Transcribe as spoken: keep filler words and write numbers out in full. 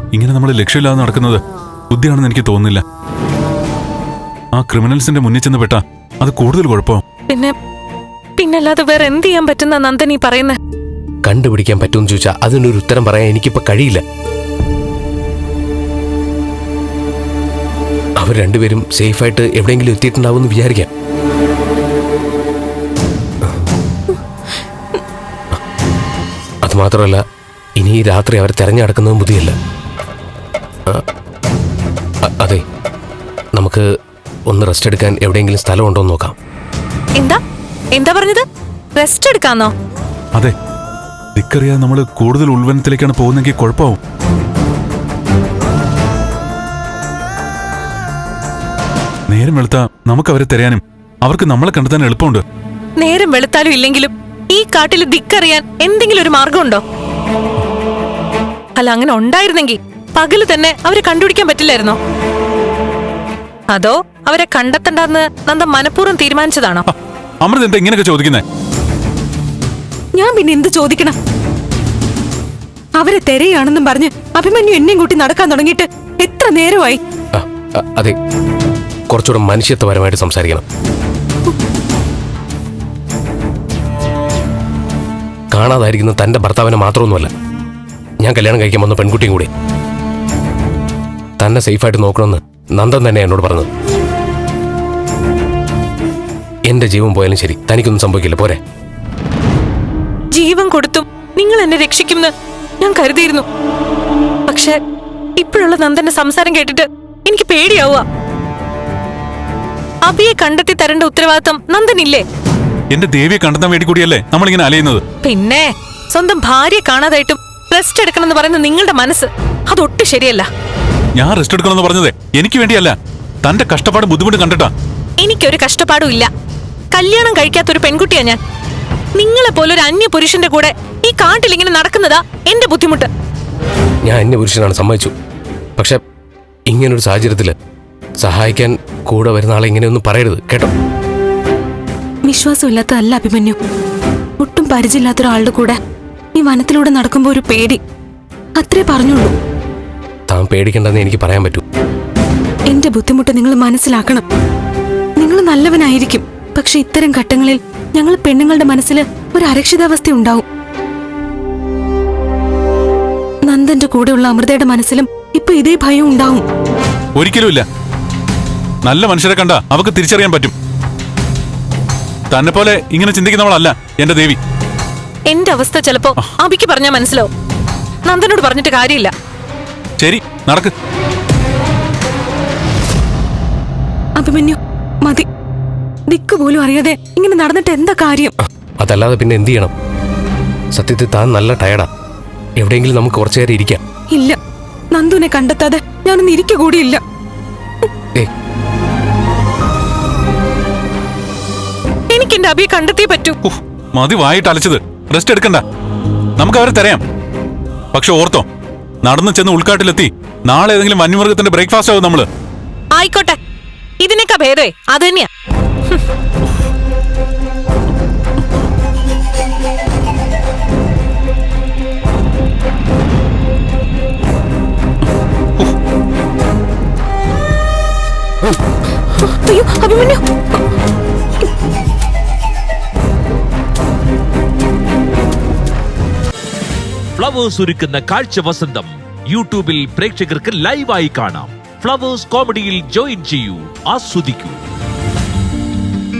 ഇങ്ങനെ നമ്മൾ ലക്ഷ്യമില്ലാതെ നടക്കുന്നത് ബുദ്ധിയാണെന്ന് എനിക്ക് തോന്നുന്നില്ല. ആ ക്രിമിനൽസിന്റെ മുന്നിൽ ചെന്ന് പെട്ടാ അത് കൂടുതൽ കുഴപ്പം. പിന്നെ പിന്നല്ലാതെ വേറെ എന്ത് ചെയ്യാൻ പറ്റുന്ന നന്ദൻ ഈ പറയുന്നത്? കണ്ടുപിടിക്കാൻ പറ്റുമെന്ന് ചോദിച്ചാൽ അതിനൊരു ഉത്തരം പറയാൻ എനിക്കിപ്പോ കഴിയില്ല. അവർ രണ്ടുപേരും സേഫായിട്ട് എവിടെയെങ്കിലും എത്തിയിട്ടുണ്ടാവും എന്ന് വിചാരിക്കാം. അത് മാത്രമല്ല, ഇനി ഈ രാത്രി അവർ തെരഞ്ഞെടുക്കുന്നതും ബുദ്ധിയല്ല. അതെ, നമുക്ക് ഒന്ന് റെസ്റ്റ് എടുക്കാൻ എവിടെയെങ്കിലും സ്ഥലം ഉണ്ടോ എന്ന് നോക്കാം. എന്താ എന്താ പറഞ്ഞത്? റെസ്റ്റ് എടുക്കാന്നോ? അതെ, ദിക്കറിയാതെ നമ്മൾ കൂടുതൽ ഉൾവനത്തിലേക്കാണ് പോകുന്നെങ്കിൽ കുഴപ്പമാവും. നേരം വെളുത്താ നമുക്ക് അവരെ തിരയാനും അവർക്ക് നമ്മളെ കണ്ടെത്താൻ എളുപ്പമുണ്ട്. നേരം വെളുത്താലും ഇല്ലെങ്കിലും ഈ കാട്ടിൽ ദിക്കറിയാൻ എന്തെങ്കിലും ഒരു മാർഗമുണ്ടോ? അല്ല, അങ്ങനെ ഉണ്ടായിരുന്നെങ്കിൽ പകല് തന്നെ അവരെ കണ്ടുപിടിക്കാൻ പറ്റില്ലായിരുന്നോ? അതോ അവരെ കണ്ടെത്തണ്ടെന്ന് നന്ദ മനഃപൂർവ്വം തീരുമാനിച്ചതാണോ? അമൃത എന്താ ഇങ്ങനെയൊക്കെ ചോദിക്കുന്നേ? ഞാൻ പിന്നെ എന്ത് ചോദിക്കണം? അവരെ തെരയാണെന്നും പറഞ്ഞ് അഭിമന്യു എന്നെയും കൂട്ടി നടക്കാൻ തുടങ്ങിയിട്ട് എത്ര നേരമായി? അതെ, കുറച്ചുകൂടെ മനുഷ്യത്വപരമായിട്ട് സംസാരിക്കണം. കാണാതായിരിക്കുന്ന തന്റെ ഭർത്താവിനെ മാത്രമൊന്നുമല്ല, ഞാൻ കല്യാണം കഴിക്കാൻ വന്ന പെൺകുട്ടിയും കൂടി. തന്നെ സേഫായിട്ട് നോക്കണമെന്ന് നന്ദൻ തന്നെ എന്നോട് പറഞ്ഞത്. എന്റെ ജീവൻ പോയാലും ശരി, തനിക്കൊന്നും സംഭവിക്കില്ല, പോരെ? ജീവൻ കൊടുത്തും നിങ്ങൾ എന്നെ രക്ഷിക്കുമെന്ന് ഞാൻ കരുതിയിരുന്നു. പക്ഷെ ഇപ്പോഴുള്ള നന്ദന്റെ സംസാരം കേട്ടിട്ട് എനിക്ക് പേടിയാവുക. അബിയെ കണ്ടെത്തി തരേണ്ട ഉത്തരവാദിത്തം നന്ദനില്ലേ? എന്റെ ദേവിയെ കണ്ടെത്താൻ വേണ്ടി കൂടിയല്ലേ നമ്മളിങ്ങനെ അലയുന്നത്? പിന്നെ സ്വന്തം ഭാര്യയെ കാണാതായിട്ടും റെസ്റ്റ് എടുക്കണമെന്ന് പറയുന്ന നിങ്ങളുടെ മനസ്സ് അതൊട്ടും ശരിയല്ല. ഞാൻ റെസ്റ്റ് എടുക്കണമെന്ന് പറഞ്ഞത് എനിക്ക് വേണ്ടിയല്ല, തന്റെ കഷ്ടപ്പാട് ബുദ്ധിമുട്ട് കണ്ടിട്ടാ. എനിക്കൊരു കഷ്ടപ്പാടും ഇല്ല. കല്യാണം കഴിക്കാത്തൊരു പെൺകുട്ടിയാ ഞാൻ. നിങ്ങളെ പോലൊരു അന്യ പുരുഷന്റെ കൂടെ ഈ കാട്ടിൽ ഇങ്ങനെ നടക്കുന്നതാ എന്റെ ബുദ്ധിമുട്ട്. ഞാൻ അന്യ പുരുഷനാണ്, സമ്മതിച്ചു. പക്ഷെ ഇങ്ങനൊരു സാഹചര്യത്തില് സഹായിക്കാൻ കൂടെ വരുന്ന ആളെ ഇങ്ങനെയൊന്നും പറയരുത്, കേട്ടോ? വിശ്വാസമില്ലാത്തതല്ല അഭിമന്യു, ഒട്ടും പരിചയമില്ലാത്ത ഒരാളുടെ കൂടെ ഈ വനത്തിലൂടെ നടക്കുമ്പോ ഒരു പേടി, അത്രേ പറഞ്ഞുള്ളൂ. താൻ പേടിക്കണ്ടെന്ന് എനിക്ക് പറയാൻ പറ്റൂ. എന്റെ ബുദ്ധിമുട്ട് നിങ്ങൾ മനസ്സിലാക്കണം. നിങ്ങൾ നല്ലവനായിരിക്കും, പക്ഷെ ഇത്തരം ഘട്ടങ്ങളിൽ ഞങ്ങൾ പെണ്ണുങ്ങളുടെ മനസ്സിൽ ഒരു അരക്ഷിതാവസ്ഥ ഉണ്ടാവും. നന്ദന്റെ കൂടെയുള്ള അമൃതയുടെ മനസ്സിലും ഇപ്പൊ ഇതേ ഭയം ഉണ്ടാവും. ഒരിക്കലുമില്ല. നല്ല മനുഷ്യരെ കണ്ട അവർക്ക് തിരിച്ചറിയാൻ പറ്റും. തന്നെ പോലെ ഇങ്ങനെ ചിന്തിക്കുന്നവളല്ല എന്റെ ദേവി. എന്റെ അവസ്ഥ ചിലപ്പോ അബിക്ക് പറഞ്ഞാൽ മനസ്സിലാവും. നന്ദനോട് പറഞ്ഞിട്ട് കാര്യമില്ല. ശരി, നടക്ക്. അഭിമന്യു, മതി. ദിക്ക് പോലും അറിയാതെ ഇങ്ങനെ നടന്നിട്ട് എന്താ കാര്യം? അതല്ലാതെ പിന്നെ എന്ത് ചെയ്യണം? സത്യത്തിൽ താൻ നല്ല ടയർഡാ. എവിടെയെങ്കിലും നമുക്ക് കുറച്ചു നേരം ഇരിക്കാം. ഇല്ല, നന്ദുവിനെ കണ്ടെത്താതെ ഞാനൊന്ന് ഇരിക്ക കൂടിയില്ല. എനിക്ക് എന്റെ അബിയെ കണ്ടെത്തിയേ പറ്റൂ. മതി വായിട്ട് അലച്ചത്. റെസ്റ്റ് എടുക്കണ്ട, നമുക്ക് അവരെ തരയാം. പക്ഷെ ഓർത്തോ, നടന്നു ചെന്ന് ഉൾക്കാട്ടിലെത്തി നാളെ ഏതെങ്കിലും വന്യമൃഗത്തിന്റെ ബ്രേക്ക്ഫാസ്റ്റ് ആവും നമ്മള്. ആയിക്കോട്ടെ, ഇതിനൊക്കെ ഭേദമേ അത് തന്നെയാ. അയ്യോ അഭിമന്യു, ഫ്ലവേഴ്സ് ഒരുക്കുന്ന കാഴ്ച വസന്തം യൂട്യൂബിൽ പ്രേക്ഷകർക്ക് ലൈവായി കാണാം. ഫ്ലവേഴ്സ് കോമഡിയിൽ ജോയിൻ ചെയ്യൂ, ആസ്വദിക്കൂ.